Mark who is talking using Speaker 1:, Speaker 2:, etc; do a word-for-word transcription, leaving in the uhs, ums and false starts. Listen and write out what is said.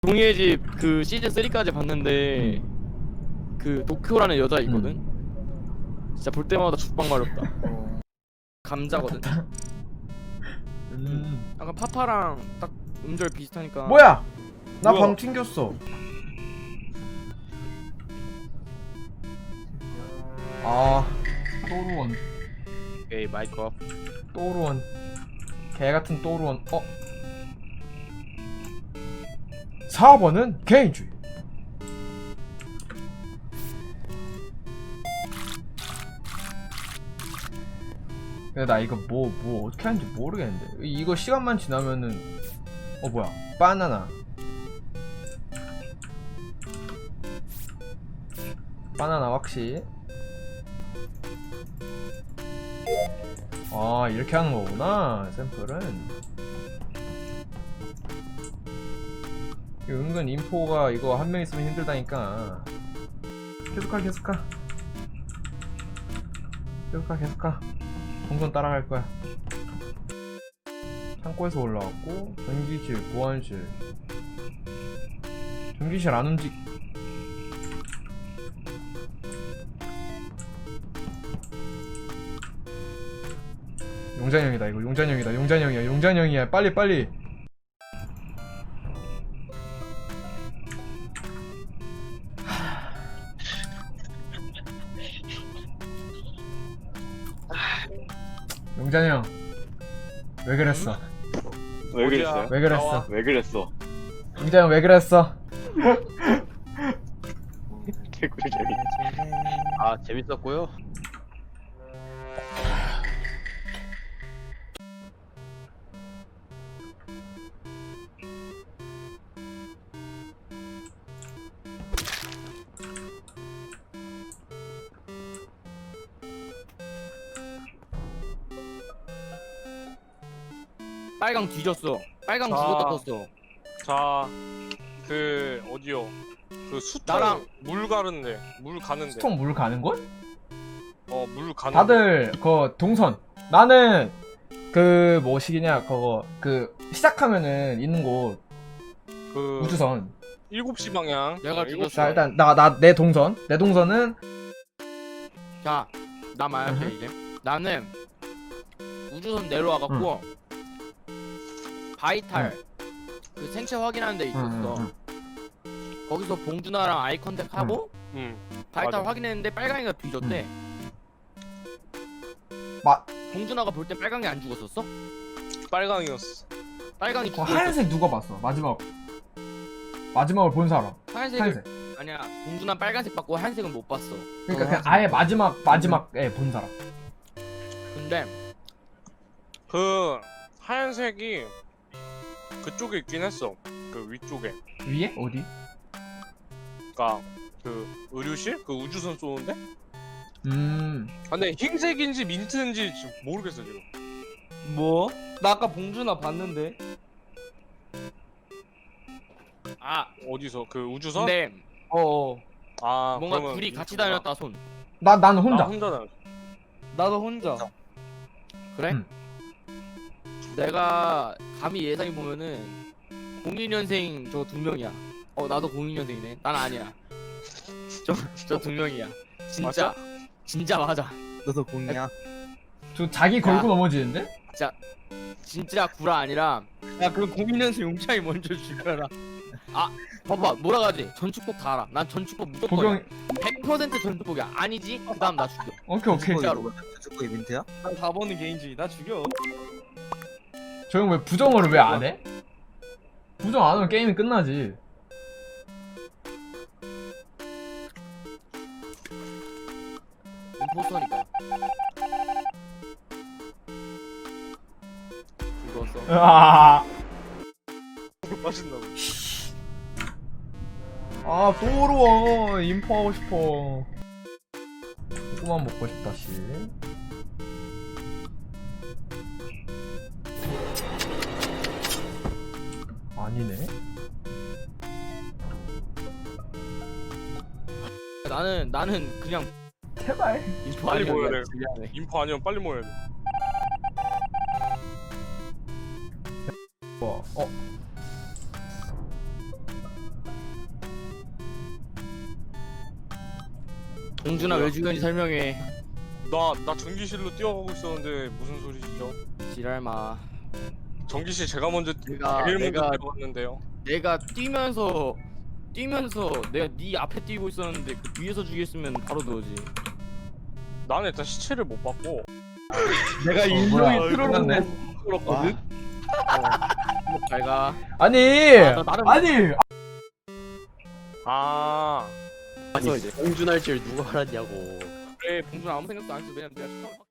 Speaker 1: 종이의 집 그 시즌 삼까지 봤는데 그 도쿄라는 여자 있거든. 진짜 볼 때마다 죽방 마렵다. 감자거든.
Speaker 2: 음.
Speaker 1: 약간 파파랑 딱 음절 비슷하니까.
Speaker 2: 뭐야? 나
Speaker 1: 뭐야?
Speaker 2: 방 튕겼어. 아, 또루원,
Speaker 1: 오케이 마이크 업.
Speaker 2: 또루원, 개 같은 또루원. 어? 사 번은 개인주의. 근데 나 이거 뭐, 뭐 어떻게 하는지 모르겠는데. 이거 시간만 지나면은, 어, 뭐야. 바나나. 바나나 확실. 아, 이렇게 하는 거구나, 샘플은. 은근 인포가 이거 한 명 있으면 힘들다니까. 계속가, 계속가. 계속가, 계속가. 동선 따라갈 거야. 창고에서 올라왔고, 전기실, 보안실. 전기실 안 움직. 용잔형이다 이거. 용잔형이다. 용잔형이야. 용잔형이야. 빨리 빨리. 용잔형 왜 그랬어?
Speaker 3: 왜 그랬어요?
Speaker 2: 왜 그랬어?
Speaker 3: 왜 그랬어?
Speaker 2: 용잔형 왜 그랬어?
Speaker 3: 개꿀 재미.
Speaker 1: 아 재밌었고요. 빨강 뒤졌어. 빨강
Speaker 4: 자.
Speaker 1: 죽었다 떴어.
Speaker 4: 자, 그 어디요? 그 수통
Speaker 1: 나랑-
Speaker 4: 물 가는데, 물 가는데.
Speaker 2: 스톤 물 가는 곳?
Speaker 4: 어, 물 가는데.
Speaker 2: 다들 그 동선. 나는 그 뭐시기냐 그거 그 시작하면은 있는 곳
Speaker 4: 그
Speaker 2: 우주선.
Speaker 4: 일곱 시 방향.
Speaker 1: 내가
Speaker 4: 어, 일곱 시
Speaker 1: 죽였어.
Speaker 2: 자 일단 나 나 내 동선. 내 동선은
Speaker 1: 자, 나 말할게
Speaker 2: 으흠.
Speaker 1: 이제. 나는 우주선 내려와갖고 바이탈 그 생체 확인하는 데 있었어.
Speaker 2: 응,
Speaker 1: 거기서 봉준아랑 아이 컨택하고
Speaker 4: 응.
Speaker 1: 바이탈
Speaker 4: 맞아.
Speaker 1: 확인했는데 빨강이가 뒤졌대.
Speaker 2: 마-
Speaker 1: 봉준아가 볼 때 빨강이 안 죽었었어?
Speaker 4: 빨강이었어.
Speaker 1: 빨강이
Speaker 2: 그
Speaker 1: 죽었어.
Speaker 2: 하얀색 누가 봤어? 마지막 마지막을 본 사람.
Speaker 1: 하얀색을
Speaker 2: 하얀색.
Speaker 1: 아니야. 봉준아 빨간색 받고 하얀색은 못 봤어.
Speaker 2: 그러니까
Speaker 1: 어,
Speaker 2: 그냥 아예 마지막 마지막에 본 사람.
Speaker 1: 근데
Speaker 4: 그 하얀색이 그쪽에 있긴 했어. 그 위쪽에.
Speaker 2: 위에 어디?
Speaker 4: 그니까 그 의료실? 그 우주선 쏘는데?
Speaker 2: 음.
Speaker 4: 아, 근데 흰색인지 민트인지 지금 모르겠어 지금.
Speaker 5: 뭐? 나 아까 봉준아 봤는데.
Speaker 1: 아
Speaker 4: 어디서? 그 우주선?
Speaker 1: 근데
Speaker 5: 어.
Speaker 4: 아,
Speaker 1: 뭔가
Speaker 4: 그러면
Speaker 1: 둘이 같이
Speaker 4: 민트구나.
Speaker 1: 다녔다 손.
Speaker 2: 나 나는
Speaker 4: 나
Speaker 2: 혼자.
Speaker 4: 혼자 다녔어.
Speaker 5: 나도 혼자.
Speaker 1: 그래?
Speaker 2: 응.
Speaker 1: 내가 감히 예상해 보면은 공이 년생 저 두 명이야. 어 나도 공이 년생이네. 난 아니야. 저 저 두 명이야. 진짜 진짜 맞아.
Speaker 5: 너도 공이야.
Speaker 2: 저 자기 걸고
Speaker 1: 야.
Speaker 2: 넘어지는데?
Speaker 1: 진짜 구라 아니라
Speaker 5: 야, 그럼 공인연수 용창이 먼저 죽여라.
Speaker 1: 봐봐 몰아가지. 전축복 다 알아. 난 전축복 무조건
Speaker 2: 보경.
Speaker 1: 백 퍼센트 전축복이야. 아니지? 그 다음 나 죽여.
Speaker 2: 오케이 오케이.
Speaker 1: 진짜로.
Speaker 6: 축구의 민트야?
Speaker 5: 난 다 보는 개인주의. 나 죽여.
Speaker 2: 저 형 왜 부정을 왜 안 해? 부정 안 하면 게임이 끝나지.
Speaker 1: 임포스터니까. 죽었어.
Speaker 2: 아,
Speaker 4: 맛있나고.
Speaker 2: 아 또르워 인포하고 싶어. 조금만 먹고 싶다 씨. 아니네.
Speaker 1: 나는 나는 그냥
Speaker 2: 제발.
Speaker 1: 인포
Speaker 4: 빨리
Speaker 1: 아니면
Speaker 4: 모여야 돼.
Speaker 1: 미안해.
Speaker 4: 인포 아니면 빨리 모여야 돼.
Speaker 2: 어. 어.
Speaker 1: 동준아 왜 죽였는지 설명해.
Speaker 4: 나, 나 전기실로 뛰어가고 있었는데 무슨 소리시죠?
Speaker 1: 지랄마.
Speaker 4: 전기실 제가 먼저
Speaker 1: 내가
Speaker 4: 제일 먼저
Speaker 1: 내가
Speaker 4: 뛰어갔는데요.
Speaker 1: 내가 뛰면서 뛰면서 내가 네 앞에 뛰고 있었는데 그 뒤에서 죽였으면 바로 너지.
Speaker 4: 나는 일단 시체를 못 봤고
Speaker 5: 내가
Speaker 2: 뭐야,
Speaker 5: 일명이 트롤로
Speaker 2: 끝났네.
Speaker 5: 끌었거든.
Speaker 1: 잘 가.
Speaker 2: 아니
Speaker 1: 아, 나 나름-
Speaker 2: 아니
Speaker 4: 아
Speaker 1: 아니 이제
Speaker 3: 공준할 줄 누가 알았냐고.
Speaker 1: 그래 봉준 아무 생각도 안 했어. 왜냐면 내가 처음